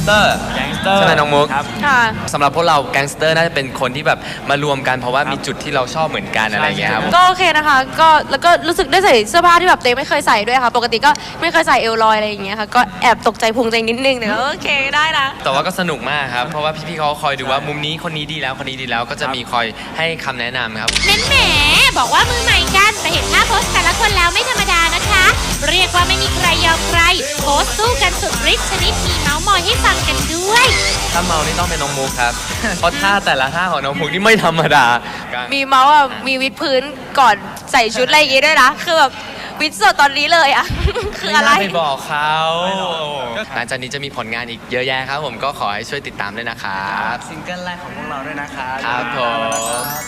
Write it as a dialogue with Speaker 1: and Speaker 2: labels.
Speaker 1: สเตอร์ใช่ไหมน้องมุก
Speaker 2: ค่ะ
Speaker 1: สำหรับพวกเราแก๊งสเตอร์น่าจะเป็นคนที่แบบมารวมกันเพราะว่ามีจุดที่เราชอบเหมือนกันอะไรเงี้ยครับ
Speaker 2: ก็โอเคนะคะก็แล้วก็รู้สึกได้ใส่เสื้อผ้าที่แบบเต้ไม่เคยใส่ด้วยค่ะปกติก็ไม่เคยใส่เอลลอยอะไรอย่างเงี้ยค่ะก็แอบตกใจพุงใจนิดนึงแต่ก็โอเคได้นะ
Speaker 1: แต่ว่าก็สนุกมากครับเพราะว่าพี่ๆเขาคอยดูว่ามุมนี้คนนี้ดีแล้วคนนี้ดีแล้วก็จะมีคอยให้คำแนะนำครับ
Speaker 3: นั่นแหมบอกว่ามือใหม่กันแต่เห็นท่าโพสแต่ละคนแล้วไม่ธรรมดานะคะ เรียกว่าไม่มีใครยอมใครโพสสู้กันสุดฤทธิ์ชนิดมีเมาส์มอยให้ฟังกันด้วย
Speaker 1: ถ้าเมานี่ต้องเป็นน้องมุกครับ เพราะท่าแต่ละท่าของน้องมุกนี่ไม่ธรรมดา
Speaker 2: มีเมาส์อ่ะมีวิดพื้นก่อนใส่ชุดอะไรอย่างงี้ด้วยนะคือแบบวิดสดตอนนี้เลยอ่ะ คืออะไร
Speaker 1: ไม่น่าไปบอกเขาหลังจากนี้จะมีผลงานอีกเยอะแยะครับผมก็ขอให้ช่วยติดตามด้วยนะครับ
Speaker 4: ซิงเกิลแรกของพวกเราด้วยนะครับ
Speaker 1: ครับผม